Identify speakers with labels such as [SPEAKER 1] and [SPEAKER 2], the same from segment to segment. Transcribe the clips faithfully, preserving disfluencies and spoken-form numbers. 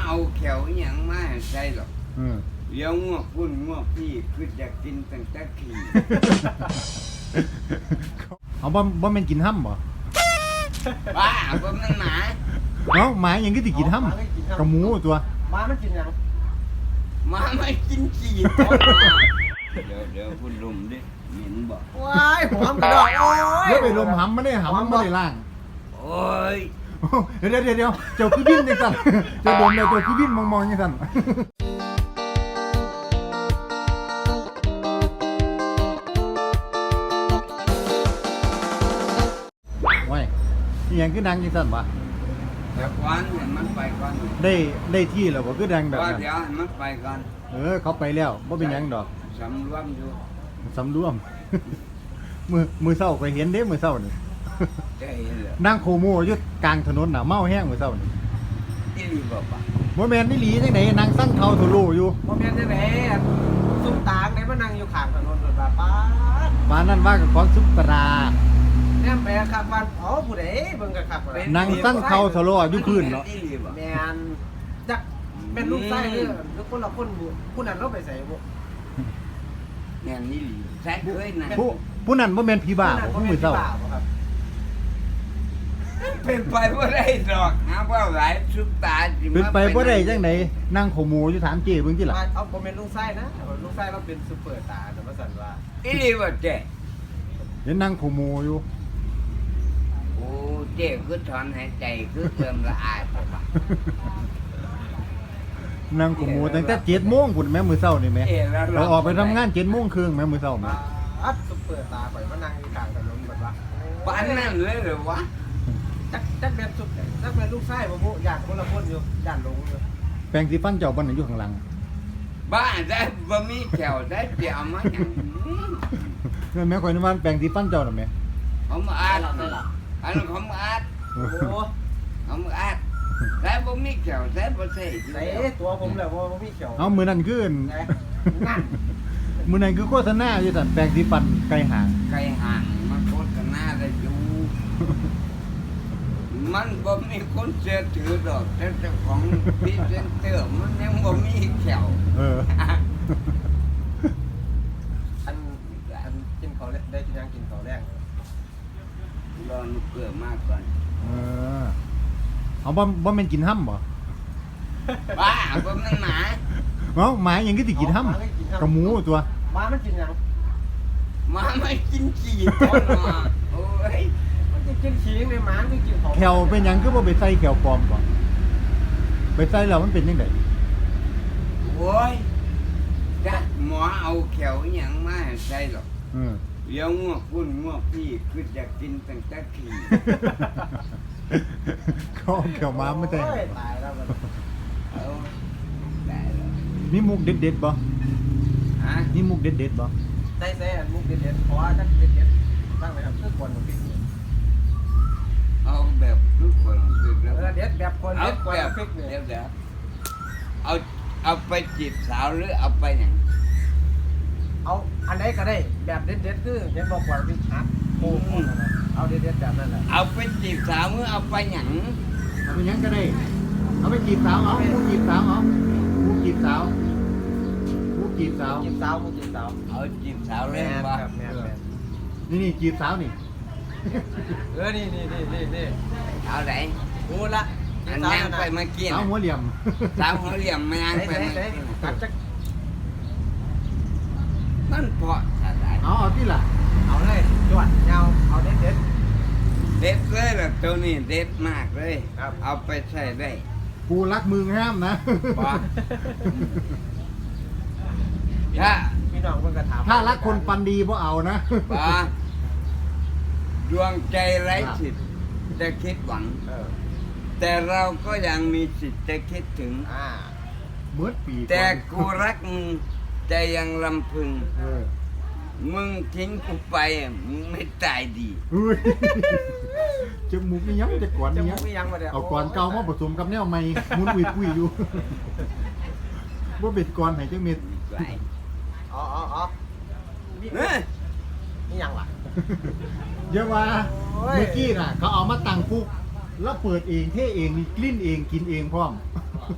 [SPEAKER 1] เอาแขวอย่างมาใส่หรอก
[SPEAKER 2] อืม
[SPEAKER 1] เดี๋ยวงวกพุ่นงวกพี่คือจะกินตั้งแต่ขี่
[SPEAKER 2] เอาบ่บ่แม่นกินห้ำบ่
[SPEAKER 1] บ้าบ่มันหมา
[SPEAKER 2] เอ้าหมายังก็สิกินห้ำกับหมูตัว
[SPEAKER 3] หมามันกินหยัง
[SPEAKER 1] หมาไม่กินขี่ตัวเดี๋ยวเดี๋ยวพุ่นลุมดิเหม็นบ่
[SPEAKER 3] ว้ายหอมกระดอกโอ้ย
[SPEAKER 2] เดี๋ยวไปลมหำมันได้หำมันบ่ได้ล่าง
[SPEAKER 1] โอ้ย
[SPEAKER 2] เดี๋ยวเดี๋ยวเดี๋ยวเจ้าคือบินจังซั่นเจ้าดมแล้วเจ้าคือบินมองๆจังซั่นว้ยนี่ยังคือดังจังซั่นวะ
[SPEAKER 1] แต่ก่อนให้มันไปก่อน
[SPEAKER 2] ได้ได้ที่แล้วบ่คือดังแบบ
[SPEAKER 1] ว่า
[SPEAKER 2] นั้น
[SPEAKER 1] เดี๋ยวให้มันไปก่อน
[SPEAKER 2] เออเขาไปแล้วบ่เป็นหยังดอก
[SPEAKER 1] สำรวมอยู่
[SPEAKER 2] สำรวม มือมือเศร้าไปเห็นเด้มือเศร้านี่
[SPEAKER 1] ใจเหรอ
[SPEAKER 2] นั่งโคโมอยู่กลางถนนน่ะเมาแห้งมือเศร้านี่
[SPEAKER 1] อีหลีบ่ปะ
[SPEAKER 2] บ่แม่นนี่หลีจังได๋นั่งสั่งเทาโทโลอยู่
[SPEAKER 3] บ่แม่นได้แหละซุ่มตากไหนมานั่งอยู่ข้างถนนรถว่าป้าด
[SPEAKER 2] บ้านนั้นว่ากับของซุปตรา
[SPEAKER 3] แนมไปครับว่าอ๋อผู้ใดเบิ่งก็ครับว่า
[SPEAKER 2] นั่งสั่งเทาโทโลอยู่พื้นเนาะ
[SPEAKER 1] อีหลีบ่
[SPEAKER 3] แม่นจักเป็นลูกไส้เด้อหรือคนละคนบ่ผู้นั้นเราไปใส่บ่
[SPEAKER 1] แม่นอีหลีแซ่เคยนะ
[SPEAKER 2] ผู้ผู้นั้นบ่แม่นผีบ้า
[SPEAKER 3] ผู้
[SPEAKER 2] บ่
[SPEAKER 3] นั้น
[SPEAKER 2] มือเศร้า
[SPEAKER 3] บ่ครับ
[SPEAKER 1] เป็นไปบ่ได้ดอกหาว่าหลายสุดตาสิ
[SPEAKER 2] เป็น
[SPEAKER 1] มา
[SPEAKER 2] ไปบ่ได้จังไดนั่งโคโมอยู่ถามเจ้เบิ่งติล่ะ
[SPEAKER 3] เอาบ่แม่นลูกไส้นะลูกไส้เราเป็นซุปเปอร์สตาร์แต่ว่าซั่นว่า
[SPEAKER 1] อีหลีบ่เจ๊
[SPEAKER 2] เห็นนั่งโคโมอยู่
[SPEAKER 1] โอ้เจ๊คือถอนหายใจคือเติมละอายบ่ปะ
[SPEAKER 2] นั่งโคโมตั้งแต่เจ็ดโมงพุ่นแม่มื้อเช้านี่แม่
[SPEAKER 1] เอ๊ะแล้ว
[SPEAKER 2] เราออกไปทำงานเจ็ดโมงครึ่งแม่มื้อเช้าแม่
[SPEAKER 3] อัดซุปเปอร์สตาร์ข่อยมานั่งอยู่ข้างถนนแบบว่า
[SPEAKER 1] ปานนั้นเลยเหรอวะ
[SPEAKER 3] จักจักแม่นซุปจักแม่นลูกไส้บ่บ่ญาติคนละคนอยู่ญาติหลงอยู่
[SPEAKER 2] แปรงสีฟันเจ้าบ่นั่นอยู่ข้างหลัง
[SPEAKER 1] บ้าได้บ่มีแถวได้เดี๋ยวมาหยัง
[SPEAKER 2] นั่นแม่ข่อยนึกว่าแปรงสีฟันเจ้าน่ะแม่
[SPEAKER 1] ผมอาดอันนั้นผมอาด
[SPEAKER 3] โอ้โห
[SPEAKER 1] ผมอาดแต่บ่มีแถวแต่บ่ใช่
[SPEAKER 3] ใส่ตัวผมแล้วบ่บ่มีเขียว
[SPEAKER 2] เอามื้อนั้นคืออั่น
[SPEAKER 3] ไงนั่น
[SPEAKER 2] มื้อนั้นคือโฆษณาอยู่ซั่นแปรงสีฟันไกลห่าง
[SPEAKER 1] ไกลห่างมาโฆษณาได้อยู่ มันบ่มีคนเชื่อถือดอกแต่เจ้าของพรีเซนเตอร์มันยังบ่มีแถว
[SPEAKER 2] เออ
[SPEAKER 3] อันอันกินข้าวแรกได้กินยังกินข้าวแรก
[SPEAKER 1] รอนุเกลือมากก่อน
[SPEAKER 2] เออเอาบ่บ่แม่นกินห้ำบ่
[SPEAKER 1] บ้าบ่มันหมา
[SPEAKER 2] เอ้าหมายังก็สิกินห้ำกับหมูตัว
[SPEAKER 3] หมามันกินยัง
[SPEAKER 1] หมาไม่กินขี้ตัวเนาะโอ้ย
[SPEAKER 3] มันจะกินขี้ในหมามันกินของ
[SPEAKER 2] แขวเป็นหยังคือบ่ไปใส่แขวปลอมบ่ไปใส่แล้วมันเป็นจังได๋
[SPEAKER 1] โอ้ยจ้ะหมอเอาแขวอหยังมาให้ใส่หรอก
[SPEAKER 2] เออ
[SPEAKER 1] เดี๋ยวงวกพุ่นงวกพี่คือจะกินตั้งแต่ขี้
[SPEAKER 2] เขาเอาแขวม้ามาใส่
[SPEAKER 3] โอ้ยตายแล้วมัน
[SPEAKER 1] เอาได้แล้ว
[SPEAKER 2] มีมุกเด็ดๆบ่
[SPEAKER 1] ฮะ
[SPEAKER 2] มีมุกเด็ดๆบ่
[SPEAKER 3] ใส่ใส่อันมุกเด็ดๆขอจักเด็ดๆตั้งไว้ครับคือคนของพี่
[SPEAKER 1] เอาแบบทุกคนคือ
[SPEAKER 3] เอ
[SPEAKER 1] แล้ว
[SPEAKER 3] อเด็ดแบบคน
[SPEAKER 1] เอา
[SPEAKER 3] เด็ดกว่า
[SPEAKER 1] แบบ
[SPEAKER 3] พริกเนี่ย
[SPEAKER 1] เดี๋ยวเดี๋ยวเอาเอาไปจีบสาวหรือเอาไปหยัง
[SPEAKER 3] เอาอันไหนก็ได้แบบเด็ดๆคือเด็ดบอกกว่าพริกฮักโอ้โหเอาเด็ดๆแบบนั้นแหละ
[SPEAKER 1] เอาไปจีบสาวหรือเอาไปหยัง
[SPEAKER 2] เอาไปหยังก็ได้เอาไปจีบสาวเอามุกจีบสาวเอามุกจีบสาวมุกจีบสาว
[SPEAKER 3] กินสาวมุกกินสาว
[SPEAKER 1] เอาจีบสาว
[SPEAKER 3] แม
[SPEAKER 1] เล่น
[SPEAKER 3] น
[SPEAKER 1] บ่
[SPEAKER 3] ครับแมนแมน
[SPEAKER 2] นี่นี่จีบสาวนี่
[SPEAKER 3] เออนี่นี่นี่นี่นี่
[SPEAKER 1] เอาไหน
[SPEAKER 3] กูละ
[SPEAKER 1] อันยังไปเมื่อกี้
[SPEAKER 2] สาว
[SPEAKER 1] น่ะ
[SPEAKER 2] หัวเหลี่ยม
[SPEAKER 1] สาวหัวเหลี่ยมมันยัง
[SPEAKER 3] ไหน
[SPEAKER 1] ไป
[SPEAKER 3] ไหน
[SPEAKER 1] เมื่อ
[SPEAKER 3] ไหน
[SPEAKER 1] กี้
[SPEAKER 3] ตัดจัก
[SPEAKER 1] มันเพราะอะไร
[SPEAKER 2] เอาเอาที่ล่ะ
[SPEAKER 3] เอาเลยจวดเงาเอาเด็ดเด็ด
[SPEAKER 1] เด็ดเลยล่ะตัวนี้เด็ดมากเลย
[SPEAKER 3] ครับ
[SPEAKER 1] เอาไปใช้ได้
[SPEAKER 2] กูรักมึงห้ามนะ
[SPEAKER 1] บ่ ถ้า
[SPEAKER 3] พี่น้องเพิ่งกระถาม
[SPEAKER 2] ถ้ารักคนปันดีบ่เอานะ
[SPEAKER 1] บ่ดวงใจไร้สิทธิ์จะคิดหวัง
[SPEAKER 3] เออ
[SPEAKER 1] แต่เราก็ยังมีสิทธิ์จะคิดถึง
[SPEAKER 3] อ่า
[SPEAKER 2] เบิดปี
[SPEAKER 1] แต่
[SPEAKER 2] อน
[SPEAKER 1] กูรักมึงใจยังลำพึง
[SPEAKER 2] เออ
[SPEAKER 1] มึงทิ้งกูไปมึงไม่ตายดี
[SPEAKER 2] อุ้ยจมูกนี่ยังจะก่อน
[SPEAKER 3] จะ
[SPEAKER 2] นี่
[SPEAKER 3] มุ
[SPEAKER 2] ยัง
[SPEAKER 3] กไม่ยังมาเดี๋ยว
[SPEAKER 2] เอาก่อนเก่ามาผสมกับแนวใหม่มุนอุ้ยปุ้ยอยู่บ่เป็นก่อนให้จังเม็ด
[SPEAKER 1] ไหว
[SPEAKER 3] อ๋ออ๋ออ๋อนี่
[SPEAKER 1] เอ้ย
[SPEAKER 3] นี่ยังล่ะ
[SPEAKER 2] เยอะว่า
[SPEAKER 3] โอ้ย
[SPEAKER 2] เมื่อกี้น่ะ เขาเอามาตั้งปุ๊บแล้วเปิดเองเทเองมีกลิ่นเองกินเองพร้อม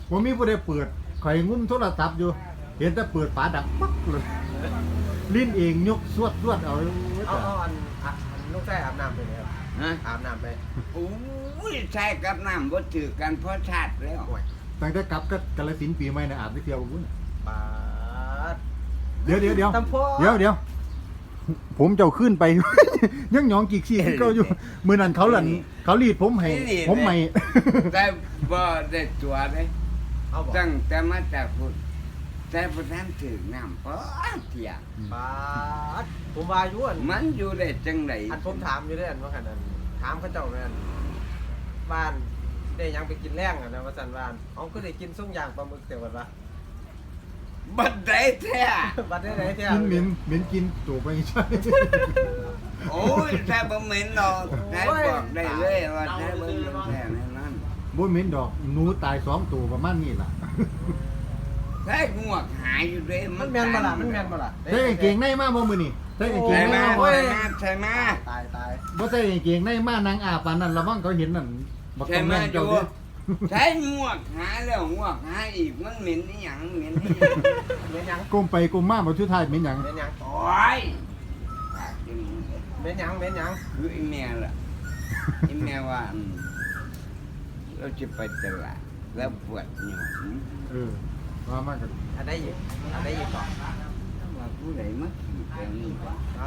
[SPEAKER 2] ผมมีผู้ใดเปิดข่อยงุ้มโทรศัพท์อยู่เห็นแต่เปิดฝาดังปั๊กเลยลิ้นเองยกสวดสวดเอา
[SPEAKER 3] เอาเอาอันอันลูกชายอาบน้ำไปเลยครับ
[SPEAKER 1] ฮะ
[SPEAKER 3] อาบน้ำไป
[SPEAKER 1] โอ้ยใช่กับน้ำบ่ถือกันเพราะชาติแล้ว
[SPEAKER 3] โอ้ย
[SPEAKER 2] ตั้งแต่กลับก็กาฬสินธุ์ปีใหม่น่ะอาบไปเที่ยวกับพุ่น
[SPEAKER 3] ปาด
[SPEAKER 2] เดี๋ยวเดี๋ยวเดี๋ยว
[SPEAKER 3] ตำพ่อ
[SPEAKER 2] เดี๋ยวเดี๋ยวผมเจ้าขึ้นไป ยังหยองกิกซี่ก็อยู่มื้อนั้นเขาหลั่นเขารีดผมให้ผมใหม่
[SPEAKER 1] แต่บ่ได้ตัวเลย
[SPEAKER 3] เอาบอก
[SPEAKER 1] ตั้งแต่มาจากพุทธแต่พระท่านถือน้ำเพราะเที่ยง
[SPEAKER 3] ปาดผมว่าอยู่อัน
[SPEAKER 1] มันอยู่ได้จังได
[SPEAKER 3] อันผมถามอยู่ด้วยอันว่าขนาดถามเขาเจ้าแม่นบ้านได้หยังไปกินแรงอ่ะนะว่าสันวานเอาก็ได้กินส่งอย่างปลาหมึกเสียวันวะ
[SPEAKER 1] บัดได้แท้
[SPEAKER 3] บัดได้ไหนเที่ย
[SPEAKER 2] กินเหม็นเหม็นกินตัวไปใช่
[SPEAKER 1] โอ้ยแท้บ่เหม็นดอกแท้บอกได้เลยว่าแท้บ่เหม็นแท้แน่นอน
[SPEAKER 2] บ่เหม็นดอกหนูตายสองตัวประมาณนี้ล่ะ
[SPEAKER 1] แท้งวกหายอยู่เด้
[SPEAKER 3] มันแมนบ่ล่ะมันแมนบ่ล่ะ
[SPEAKER 2] ใส่กางเกงในมาบ่มื้อนี้ใส่กางเก
[SPEAKER 1] ใช่
[SPEAKER 2] งใน
[SPEAKER 1] มา
[SPEAKER 2] มาบ่
[SPEAKER 1] ใช่มาใช่มา
[SPEAKER 3] ตายตาย
[SPEAKER 2] บ่ใส่กางเกงในมานางอาปานนั้นระวังเขาเห็นนั่นบัก
[SPEAKER 1] ใช่
[SPEAKER 2] ตำ
[SPEAKER 1] มา
[SPEAKER 2] แม่น
[SPEAKER 1] อ
[SPEAKER 2] เจ้า
[SPEAKER 1] ยู่
[SPEAKER 2] เด้อ
[SPEAKER 1] ใช้งวกหาแล้วงวกหาอีกมันเหม็นอีหยังเหม็นอีหยัง
[SPEAKER 3] เม็นหยัง
[SPEAKER 2] ก้มไปก้มมาบ่สุดท้ายเหม็นหยัง
[SPEAKER 3] เม็นหยัง
[SPEAKER 1] โอ้ยปากจมูก
[SPEAKER 3] เม็นหยังเม็นหยัง
[SPEAKER 1] คือไอ้แม่ล่ะไอ้แม่ว่าอืมเราจะไปตลาดแล้วปวดหนู
[SPEAKER 2] เออว่ามากัน
[SPEAKER 3] อันใดอีกอันใดอีกก่อน
[SPEAKER 1] ว่าผู้ใดมาขี่แถวนี้วะ
[SPEAKER 3] อ้าว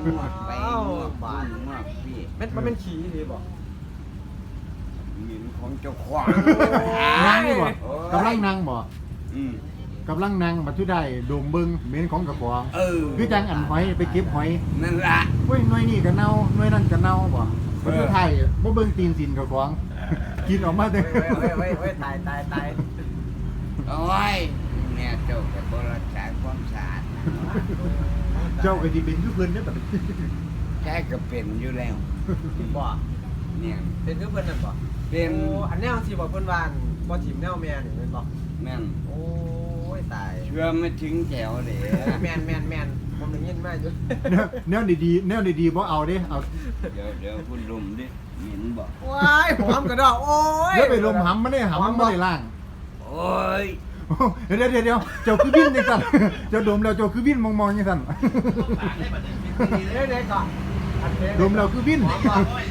[SPEAKER 1] งวกไปงวก
[SPEAKER 3] บา
[SPEAKER 1] บ้า
[SPEAKER 3] ด
[SPEAKER 1] นงวกพี่
[SPEAKER 3] เม็ดมันเป็นขี้ดีบ่
[SPEAKER 1] เหม็นของเจ้าของ
[SPEAKER 2] นางนี่บ่
[SPEAKER 1] โอ้ย
[SPEAKER 2] กำลังนางบ่
[SPEAKER 1] อืม
[SPEAKER 2] กำลังนางบัดสุดท้ายโดมเบิ่งเหม็นของกระป๋อง
[SPEAKER 1] เออ
[SPEAKER 2] คือจังอันหอยไปเก็บหอย
[SPEAKER 1] นั่นละ
[SPEAKER 2] เว้ยหน่วยนี่ก็เน่าหน่วยนั่นก็เน่าบ่บัดสุดท้ายบ่เบิ่งตีนสินกระป๋องกินออกมาเด้อ
[SPEAKER 3] เว้ยเว้ยเว้ยเว้ยตายตายตาย
[SPEAKER 1] โอ้ยแม่เจ้ากับบรักษาความสะอาด
[SPEAKER 2] เจ้าก็สิเป็นคือเพิ่นเด้อบัดนี้
[SPEAKER 1] แค่ก็เป็นอยู่แล้ว
[SPEAKER 3] บ่
[SPEAKER 1] เนี่ย
[SPEAKER 3] เป็นคือเพิ่นนั่นบ่
[SPEAKER 1] เป็น
[SPEAKER 3] โอ้อันแนวสิบ่เพิ่นว่าอันบ่ถิ่มแนวแม่นี่แม่นบ่
[SPEAKER 1] แม่น
[SPEAKER 3] โอ้ยตาย
[SPEAKER 1] เชื่อไม่ถึงแถวเลย
[SPEAKER 3] แม่นแม่นแม่นผมได้ยินมาอยู่
[SPEAKER 2] แนวแนวดีๆแนวดีๆบ่เอาเด้เอา
[SPEAKER 1] เดี๋ยวเดี๋ยวคุณลุมดิเหม็นบอก
[SPEAKER 3] ว้ายหอมกระดอกโอ้ย
[SPEAKER 2] เดี๋ยวไปลมหำมันได้หำมันบ่ได้ล่าง
[SPEAKER 1] โอ้ย
[SPEAKER 2] เดี๋ยวเดี๋ยวเดี๋ยวเจ้าคือวินจังซั่นเจ้าดมแล้วเจ้าคือวินมองๆจังซั่น
[SPEAKER 3] เดี๋ยวเดี๋ยวก่อนอันเดี๋ยว
[SPEAKER 2] ดมแล้วคือวิน
[SPEAKER 3] หอมบ่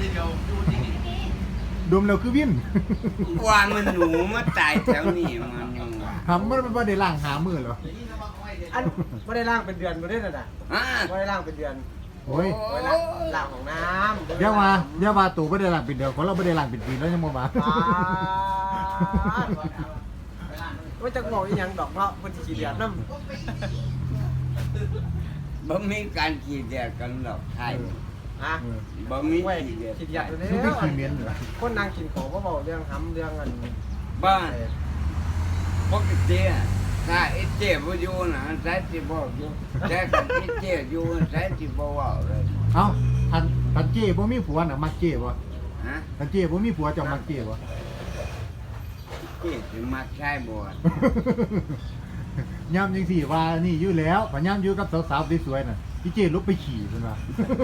[SPEAKER 2] ดมแล้วคือวิน
[SPEAKER 1] ว่ามันหนูมาตายแถวนี้มันยังว่า
[SPEAKER 2] หำมันบ่ได้ล่างหามือเหรอ
[SPEAKER 3] อันบ่ได้ล้างเป็นเดือนบ่ได้นั่นน่ะ
[SPEAKER 1] อ่า
[SPEAKER 3] บ่ได้ล้างเป็นเดือน
[SPEAKER 2] โอ้ย
[SPEAKER 3] บ่ได้ล้างล้างของน้ำ
[SPEAKER 2] เดี๋ยวมาเดี๋ยวมาตู่บ่ได้ล่างเป็นเดียวคนเราบ่ได้ล่างเป็นปีแล้วยังบ่มา
[SPEAKER 3] อ่าว่าจะบอกอีหยังดอกเนาะเพิ่นสิขี้เดือดนำ
[SPEAKER 1] บ่มีการขี่แดดกันหรอกใช่
[SPEAKER 3] ฮะ
[SPEAKER 1] บ่มี
[SPEAKER 3] เว้ย
[SPEAKER 1] ขี่แดด
[SPEAKER 3] ขี้เดือดอยู่
[SPEAKER 2] คือ
[SPEAKER 3] แล้
[SPEAKER 2] คือ
[SPEAKER 3] ว
[SPEAKER 2] ขี้เหม็นเหรอ
[SPEAKER 3] คนนั่งกินของบ่เว้าเรื่องหำเรื่องอัน
[SPEAKER 1] บ้านปกติอะถ้าไอ้เจ็บอยู่นะใช้สิบอกอยู่แต่ถ้าไอ้เจ็บอยู่ใช้สิบ่เว้าเลย
[SPEAKER 2] เอ้าทันทันเจ้บ่มีผัวน่ะมักเจ้บ่
[SPEAKER 1] ฮะ
[SPEAKER 2] ทันเจ้บ่มีผัวเจ้ามักเจ้บ่
[SPEAKER 1] เจ็บสิมักใช้บ่
[SPEAKER 2] ย่ำจังสี่ว่านี่อยู่แล้วพย่ำอยู่กับสาวๆสวยๆน่ะพี่เจ้ลุกไปขี่เพิ่นว่า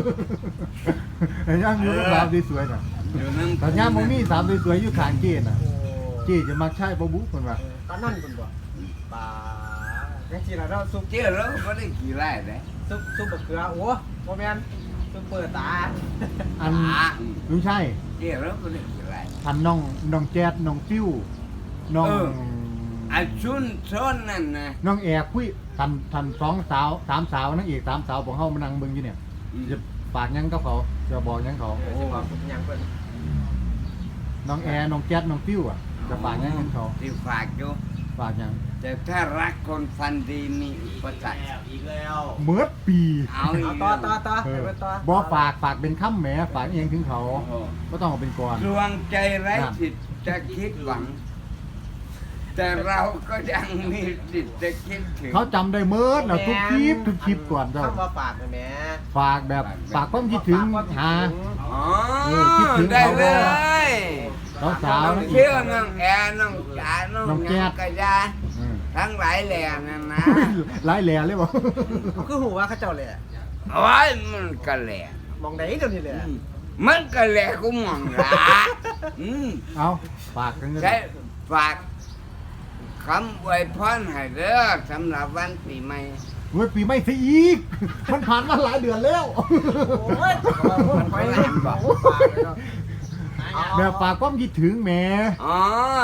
[SPEAKER 2] ย่ำอยู่กับสาวสวยๆน่ะ
[SPEAKER 1] อยู่นั่ง
[SPEAKER 2] แต่ย่ำบ่มีสาวสวยๆอยู่ข้างเจ้น่ะ
[SPEAKER 3] โอ้
[SPEAKER 2] เจ้จะมักใช้บ่บุเพิ่นว่า
[SPEAKER 3] ตอนนั้นเพิ่นบ่ปลาจังซี่ล่ะเนาะซุป
[SPEAKER 1] เจ็บแล้วก็ได้ขี่ไล่เลย
[SPEAKER 3] ซุปซุปบักเขือโอ้บ่แม่นซุปเปิดตา
[SPEAKER 2] อัน
[SPEAKER 1] อ่า
[SPEAKER 2] ลุงชัย
[SPEAKER 1] เจ็บแล้วก็ได้ขี่ไล่
[SPEAKER 2] อันน้องน้องแจ๊ดน้องติ้วน้อง
[SPEAKER 1] เออ ไอ้ชุนชนนั่นนะ
[SPEAKER 2] น้องแอร์คุยทันทันสองสาวสามสาวนางเอกสามสาวของเฮามานั่งเบิ่งอยู่เนี่ยจะฝากหยังกับเขาจะบอกหยังเขา
[SPEAKER 3] เออสิบอกหยังเพิ่น
[SPEAKER 2] น้องแอร์น้องแจ๊ดน้องติ้วอ่ะจะฝากหยังกับเขา
[SPEAKER 1] ที่ฝากอยู่
[SPEAKER 2] ฝากหยัง
[SPEAKER 1] แต่ถ้ารักคนฟันดีมีอุปสรรค
[SPEAKER 2] เมื่อปี
[SPEAKER 1] เอาอี
[SPEAKER 3] เอา
[SPEAKER 1] ก
[SPEAKER 3] ต่อต่อต่อ
[SPEAKER 2] เอ
[SPEAKER 3] ให้
[SPEAKER 2] อ
[SPEAKER 3] เพิ่นต่อ
[SPEAKER 2] บ่ฝากฝากเป็นคำแหมฝากเองถึงเขา
[SPEAKER 1] โอ้โห
[SPEAKER 2] ก็ต้องเอาเป็นก่อน
[SPEAKER 1] ดวงใจไร้สิทธิ์จะคิดหวัง แต่เราก็ยังมีสิทธิ์จะคิดถึง
[SPEAKER 2] เขาจำได้เมิดแล้วทุกคลิปทุกคลิปก่อนเจ้า
[SPEAKER 3] คำว่าฝากนะแหม่
[SPEAKER 2] ฝากแบบฝากความคิดถึง
[SPEAKER 3] ฝากความคิด
[SPEAKER 2] หา
[SPEAKER 3] ถึง
[SPEAKER 1] อ๋อ
[SPEAKER 2] เออคิดถึง
[SPEAKER 1] ได้
[SPEAKER 2] เขา
[SPEAKER 1] เล
[SPEAKER 2] ด้วย
[SPEAKER 1] ย
[SPEAKER 2] สาว
[SPEAKER 1] น้
[SPEAKER 2] ๆ
[SPEAKER 1] อง
[SPEAKER 2] นั่นอี
[SPEAKER 1] เชื่
[SPEAKER 2] ก
[SPEAKER 1] อน้องแอร์น้องจ๋าน้อง
[SPEAKER 2] น้องแจ๊
[SPEAKER 1] ยั
[SPEAKER 2] ด
[SPEAKER 1] งกระยา
[SPEAKER 2] เออ
[SPEAKER 1] ทั้งหลายแหล่นั่นนะ
[SPEAKER 2] หลายแหล่เลยบ่
[SPEAKER 3] เขาคือหูว่าเขาเจ้าแหละ
[SPEAKER 1] โอ้ยมันก็แหล่
[SPEAKER 3] มองไหนเดี๋ยวนี้แหละ
[SPEAKER 1] มันก็แหล่กูมองละอืม
[SPEAKER 2] เอาฝากกันกัน
[SPEAKER 1] ใช่ฝากคำอวยพรให้เด้อสำหรับวันปีใหม่
[SPEAKER 2] เฮ้ยปีไม่ซะอีก มันผ่านมาหลายเดือนแล้ว
[SPEAKER 3] โอ้ยมันไปแล้วบอกฝากเลยเนาะ
[SPEAKER 2] แม่ฝากความคิดถึงแหม่
[SPEAKER 1] อ๋อ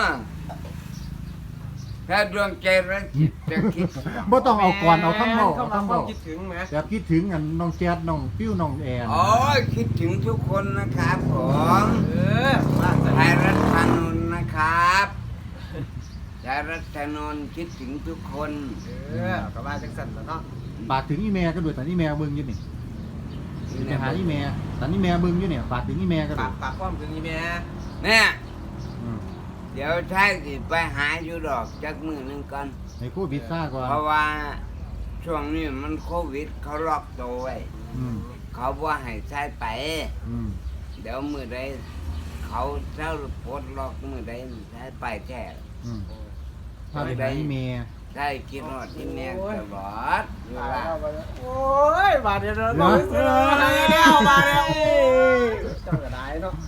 [SPEAKER 1] ถ้าดวงใจรักจิตจะคิด
[SPEAKER 2] บ่ต้องเอาก่อนเอาคำเว้า
[SPEAKER 3] เข้า
[SPEAKER 2] เอา
[SPEAKER 3] มา
[SPEAKER 2] คำ
[SPEAKER 3] ควา
[SPEAKER 2] เว้าม
[SPEAKER 3] คิดถึงไหม
[SPEAKER 2] แบบคิดถึงอันน้องแจ๊ดน้องปิ้วน้องแอน
[SPEAKER 1] โอ้ยคิดถึงทุกคนนะครับผม
[SPEAKER 3] เออบ้านจะ
[SPEAKER 1] ไทยรัฐธนนท์นะครับไทยรัฐธนนท์คิดถึงทุกคน
[SPEAKER 3] เออกับบ้านจังสันแล้วเนาะ
[SPEAKER 2] ฝากถึงอีแม่ก็ด้วยแต่อีแม่เบิ่งอยู่นี่ไปหาอีแม่แต่อีแม่เบิ่งอยู่เนี่ยฝากถึงอีแม่ก็ด้
[SPEAKER 3] ฝา
[SPEAKER 2] วย
[SPEAKER 3] กฝากความถึงอีแม่
[SPEAKER 1] เนี่ย
[SPEAKER 2] อืม
[SPEAKER 1] เดี๋ยวใช้สิไปหาอยู่ดอกจักมือหนึงก่อน
[SPEAKER 2] ให้โควิดซ่าก่อน
[SPEAKER 1] เพราะว่าช่วงนี้มันโควิดเขาล็อกตัวไว้
[SPEAKER 2] อืม
[SPEAKER 1] เขาว่าให้ใช้ไป
[SPEAKER 2] อืม
[SPEAKER 1] เดี๋ยวมือใดเขาเจ้าปลดล็อกมือใดใช้ไปแท้
[SPEAKER 2] อืมถ้าไปหาอีแม่
[SPEAKER 1] ใช่คิดว่าที่แม่ตลอดเวลา
[SPEAKER 3] โอ้ยบาดเดียวเราบอกเสือมาแล้วบาดเดียวเจ้าก็ได้เนาะ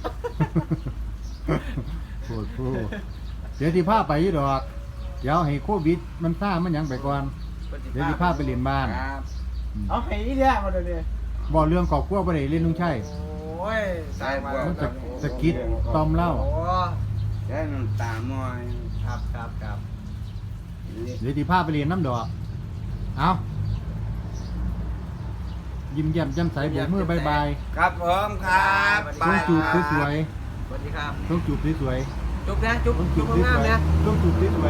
[SPEAKER 2] โคตรโคตรเดี๋ยวที่พาไปอยู่ดอก เดี๋ยวให้โควิดมันซ่ามันหยังไปก่อน เดี๋ยวที่พาไปเรียนบ้าน
[SPEAKER 1] ครับ
[SPEAKER 3] เอาให้อีเนี่ยมาเดี๋ยวนี้
[SPEAKER 2] บอกเรื่องครอบครัวบ่ได้เล่นลุงชัย
[SPEAKER 3] โอ้ยสายมา
[SPEAKER 2] มันจะสะกิดตอมเล่า
[SPEAKER 3] โอ้
[SPEAKER 1] ใช้น้ำตามอย
[SPEAKER 3] ครับครับครับ
[SPEAKER 2] เดี๋ยวที่พาไปเรียนน้ำดอก เอายิ้มแย้มแจ่มใสโบกมือบายบาย
[SPEAKER 1] ครับผมครับ
[SPEAKER 2] ต้องจูบสวย
[SPEAKER 3] สวัสดีครับ
[SPEAKER 2] ๆต้องจูบสวย
[SPEAKER 3] จุ๊บนะจุ๊บ
[SPEAKER 2] ๆต้องจู
[SPEAKER 3] จุ๊
[SPEAKER 2] บบ ส
[SPEAKER 3] งาม
[SPEAKER 2] วย
[SPEAKER 3] ๆนะ
[SPEAKER 2] ๆต้องจูบสวย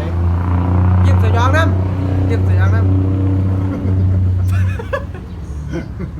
[SPEAKER 3] ยิ้มสยองน้ำยิ้มสยองน้ำ
[SPEAKER 2] ๆ